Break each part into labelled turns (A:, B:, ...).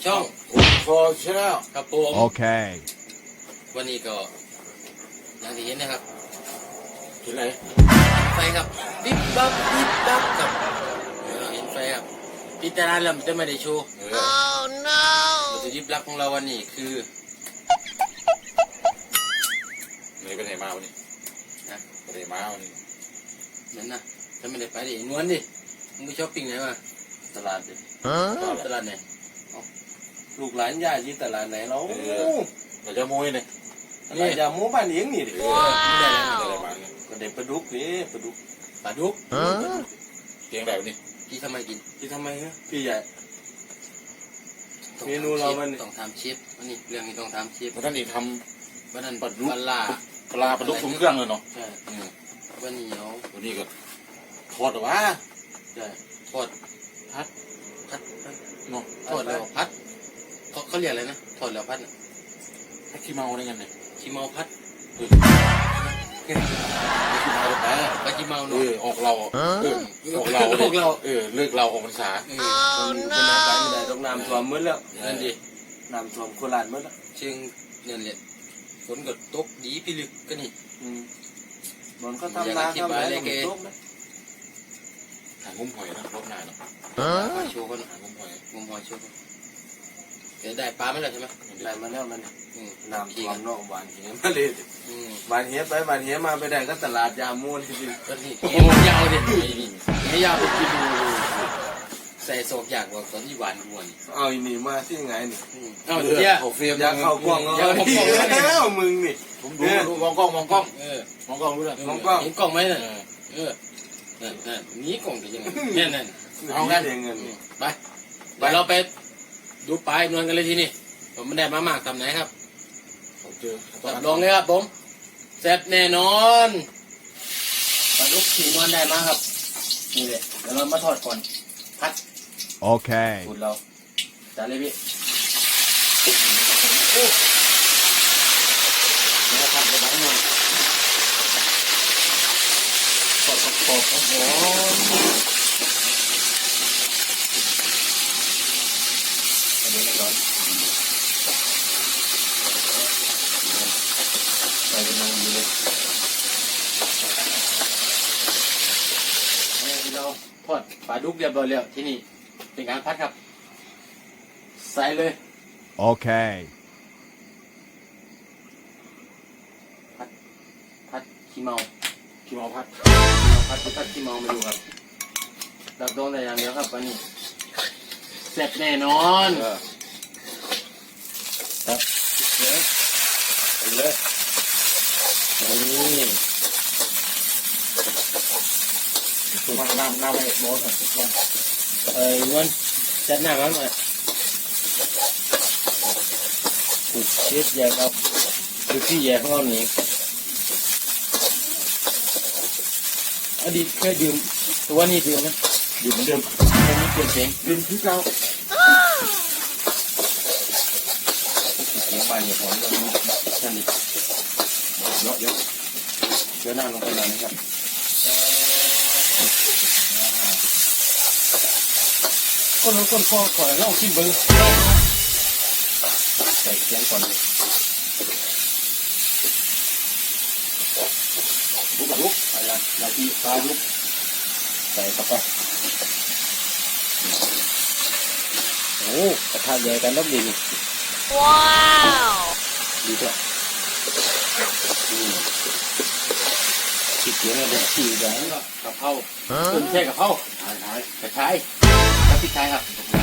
A: ช่อง
B: โซเชียล
A: ครับผม
C: โอเค
A: วันนี้ก็อย่างที่เห็นนะครับ
B: เห็นอะไร
A: ไฟครับปิ๊บปั๊บปิ๊บปั๊บครับเห็นไฟครับพิจารณาแล้วมันจะไม่ได้โชว์วัตถุดิบหลักของเราวันนี้คือ
B: ไปไหนมาวันนี้
A: นะ
B: ไปไหนมาวันนี้
A: นั่นนะจะไม่ได้ไปดินวลดิมึงไปช้อปปิ้งไหนมาตลาดดิตลาดไหน
D: ลูกหลานย่าที่ตลาดไหนเรา
B: เราจะโม้ยเลย
D: นี่อย่าโม้บ้านเลี้ยงนี่ดิ
B: ไม่ได้อะไรมาเนี่ย
D: ก็เด็กปลาดุกนี่ปลาดุก
A: ปลาดุก
B: เตียงแบบนี้
A: พี่ทำไมกิน
D: ที่ทำไมฮะพี่ใหญ่เมนูเรามัน
A: ต้องทำเชฟวันนี้เรื่องนี้ต้องทำเชฟ
B: ท่านอีกท
A: ำวันนั้น
B: ปลาดุก
A: ปลา
B: ปลาดุกถุงเครื่องเลยเนาะ
A: ใช่วันนี้เอา
B: วันนี้ก็ทอดหรอวะ
A: ใช่ทอดพัด
B: เนาะ
A: ทอดแล้วพัดเขาเรียกอะไรนะทอดแล้วพัด
B: พัดขี้เมาได้ไงเนี่ย
A: ขี้เมาพัด
B: ขี้เมาแต่
A: ปลาขี้เมาเนาะ
B: ออกเราออกเราเลิกเราออกพรรษา
D: มันไปไม่ได้ต้องน้ำท่วมมืดแล้ว
A: นั่นดิ
D: น้ำท่วมโคราชมืดแล้ว
A: เชิงนั่นแหละฝนก็ตกดีพิลึกก็นี่
D: บนเขาทำนาทำอะไรก็ตกนะ
B: หางุ้มหอยนะรอบหน้าเนาะ
A: โชว์กัน
B: หางุ้มห
A: อยโชว์เดี๋ยวได้ปลาไม่ได้ใช่ไหม
D: ได้มาแล้วมันน้ำท่วมนอกบ้านเหี้ยมาเลยบ้านเหี้ยไปบ้านเหี้ยมาไปได้ก็ตลาดยามูนจริง
A: ก็นี่เหี้ยยาวเด็ดเหี้ยยาวไปกินดูใส่โศกอยากว่าตอนที่หวานวน
D: เอาอีนี่มาที่ไงนี่
A: เอาเหี้ย
B: เขาเฟียม
D: อยากเข้ากล้องแล้วมึงนี่
B: ผมดูมองกล้องมองกล้องรู้เลย
D: มองกล้อง
A: เห็นกล้องไหมน่ะนั่นนี้กล้องจะยังไงนั่น
D: เอางั้นเงิน
A: ไปเดี๋ยวเราไปดูปลายนวลกันเลยทีนี่ผมไม่ได้มามากทำไหนครับรับรองเลยครับผมแซ่บแน่นอนปลาดุกขี่นวลได้มาครับนี่เลยเดี๋ยวเรามาทอดก่อนพัด
C: โอเค
A: สูตรเราจัดเลยพี่แล้วผัดไปบ้างหน่อยขอบโอ้โหอันนี้ไม่ร้อนใส่กำลังดีเลยเราทอดปลาดุกเรียบร้อยแล้วที่นี่เป็นการพัดครับใส่เลย
C: โอเค
A: พัดขี้เมา
B: พัด
A: ขี้เมามาดูครับดับดวงแต่อย่างเดียวครับวันนี้เสร็จแน่นอน
B: ครับเลยนี่ตัวมันน้ำไปโบส
A: นวลจัดหน้ามันมาถูกเช็ดแย่ครับคือที่แย่ของเราหนีอดีตเคยดื่มตัวนี้ดื่มไหม
B: ดื่มเหมือนเดิม
A: ไม่เปลี่ยนเสียง
B: ดื่มที่เก่า
A: เสียงบานอย่างหอนเลยนั่นดิเยอะเชื้อหน้าลงไปเลยนะครับคนขอเล่าขึ้นเบอร์ใส่เสียงก่อนเลยลุกอะไรนาทีปลาลุกใส่เข้าไปโอ้กระทะใหญ่กันรอบดีนี่ว้าวดีจ้ะขี้เกียจเนี่ยขี้แดงก็กระเพราต้นแค่กระเพรากระชายกับพริกไทยครับ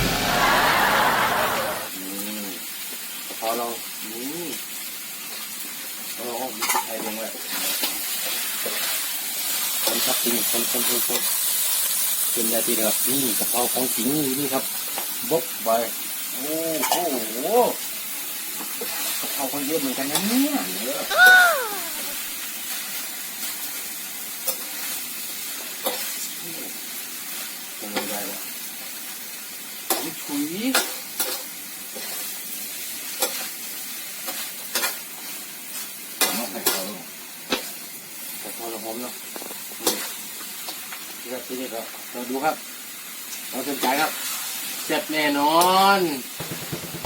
A: พอเรามีพริกไทยลงเลยคนครับจริงคนเป็นได้ทีนะครับนี่กระเพราของจริงนี่ครับบกไปโอ้โหกระเพราคนเยอะเหมือนกันนะเนี่ยคงไม่ได้แล้วถุยพอเราพร้อมแล้วทีนี้ก็เราดูครับเราสนใจครับเสร็จแน่นอน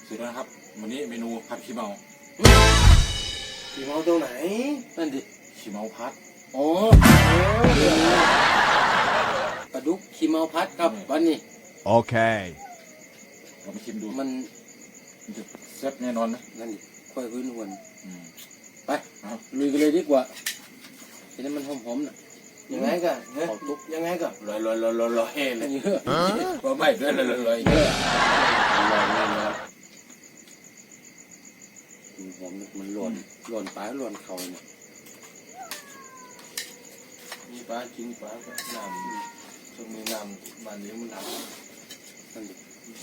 B: เสร็จแล้วนะครับวันนี้เมนูผัดขี้เมา
D: ขี่เมาตรงไหน
A: นั่นดิ
B: ขี้เมาพัด
A: อ๋อปลาดุกขี้เมาพัดครับวันนี้
C: Okay.
B: เรามาชิมดู
A: มัน
B: มันจะแซ่บแน่นอนนะ
A: นั่นดิค่อยพื้นหวน
B: อืม
A: ไปลุยกันเลยดีกว่าทีนี้มันหอมๆน่ะ
D: ยังไงก็ขอตุ๊กยังไงก็ลอยเลย
A: เยอะ
B: เพราะไม่ด้วยเลย
A: เยอะหอมๆมันหล่นปลาหล่นเขาเนี่ย
D: มีปลากินปลาก็น้ำช่วงนี้น้ำบ้านนี้มันหนาว
A: นั่นดิ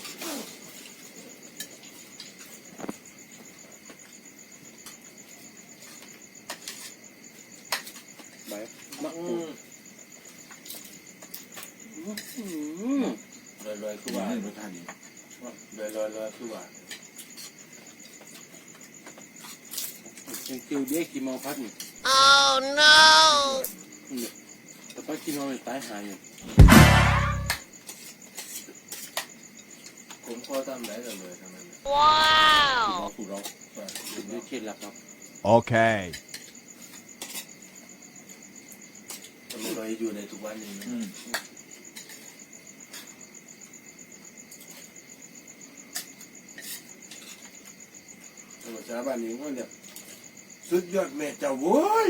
A: ใบมะกรูด
D: ลอยคือ
B: ว่า
D: ว่า
B: รสชาติดี
D: ลอยคือว่า
A: ยังคิวเด็กขี้เมาพัดนี่ นี่แต่ป้าขี้เมามันตายหายอยู่
D: ผมพอทำได้เลยทำไม
B: ขี้เมาสูตรเรา
A: เป็นด้วยเคล็ดลับครับ
C: Okay.
D: ทำไมเราอยู่ในทุกวันนี้
B: อืม
D: ชาวบ้านนี้ก็เนี่ยสุดยอดแม่เจ้าโว้ย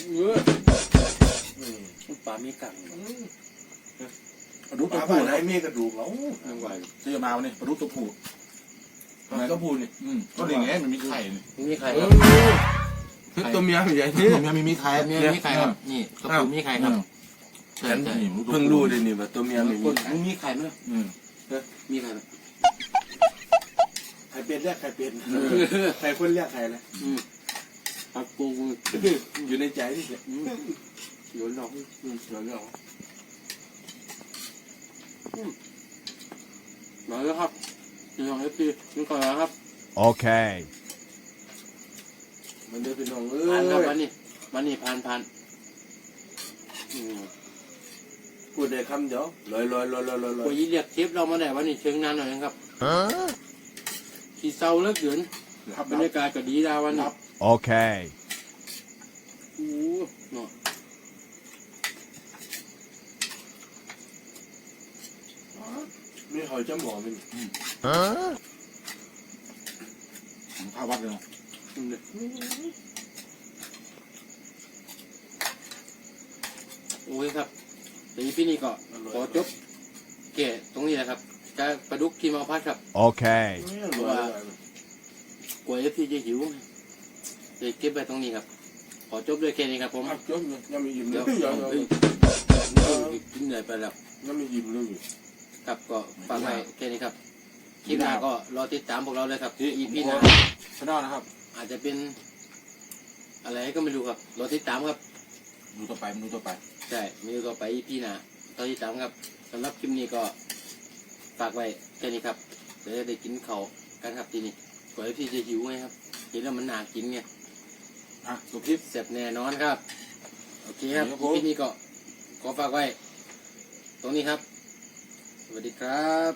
A: มันปลามีกัง
B: ปลาดุก
D: ป
B: ตัว
D: ลา
B: ผู้
D: บ้านไหน
B: นะ
D: มีกระดูกเรา
A: ยังไหว
B: ซื้อมาวันนี้ปลาดุกตัวผู้
D: ก็พูดนี่
B: ก็อย่างเงี้ยมันมีไข่นี่
A: มีใครครับ
D: ตัวเมียใหญ่
B: นี่ผมยังมีไข่
A: เมียมีใครครับนี่กระปุกมีใครครับใช่
B: ฉัน
A: ใช่
B: นี่
D: เพิ่งรู้เลยนี่ว่าตัวเมียไม่
A: ค
D: มี
A: นมึงมีใครไหม
B: อืม
A: มีใครไหม
D: ใครเป็นเรียกใครเป็นใครคนเรียกใครนะ
A: ปักปู
D: อยู่ในใจนี่
A: หลวนหลอกหลวนหลอกมาแล้วครับพี่น้องเอฟซีนี่ก่อนแล้วครับ
C: Okay.
D: มันได้เป็นน้องเอ้
A: ผ่านครับ
D: ย
A: วันนี้ผ่าน
D: พูดได้คำเดียวลอย
A: คุยเรียกเชฟเรามาได้วันนี้เชิงนานหน่อยนะครับ
C: Huh?
A: ขี่เศร้าเลิกเดือน
B: ครับ
A: บรรยากาศก็ดีดาวันนี้
C: Okay.
A: โอ้เนาะ
D: มีหอยจมูกมัน
C: Huh?
B: ข้าววัดเลยนะ
A: โอ้ยครับเดี๋ยวพี่นี่ก็ขอจบแก่ตรงนี้แหละครับจะปลาดุกที่มาพัดครับ
C: Okay.
A: กลัวเอฟซีจะหิวจะเก็บไว้ตรงนี้ครับ ขอจบด้วยแค่นี้ครับผม
D: จบยังไม่ยิ้มเล
A: เดี๋ย
D: ยว
A: กินเหนื่อยไปแล้ว
D: ยังไม่ยิ้มเลย
A: ครับก็ฝากไว้แค่นี้ครับคลิปหน้าก็รอติดตามพวกเราเลยครับ EP หน้า
B: ชนะนะครับ
A: อาจจะเป็น อะไรก็ไม่รู้ครับรอติดตามครับ
B: ดูต่อไปดูต่อไป
A: ใช่มีต่อไป EP หน้าตอนที่สามครับสำหรับคลิปนี้ก็ฝากไว้แค่นี้ครับเดี๋ยวจะได้กินเขาวกันครับทีนี้ก่อนที่จะหิวไงครับเห็นแล้วมันน่ากินไง
B: อ่ะตัวคลิป
A: เสร็จแน่นอนครับโอเคครับ
B: ครับผม
A: EP นี้ก็ขอฝากไว้ ตรงนี้ครับ สวัสดีครับ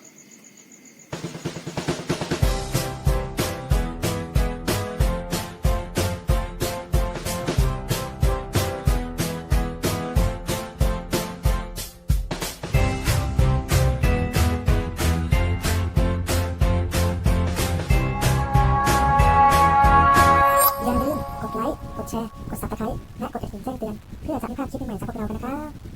E: อย่าลืมกดไลค์ กดแชร์ กด Subscribe และกดกระดิ่งแจ้งเตือน เพื่อจะไม่พลาดคลิปใหม่ๆจากพวกเรากันนะครับ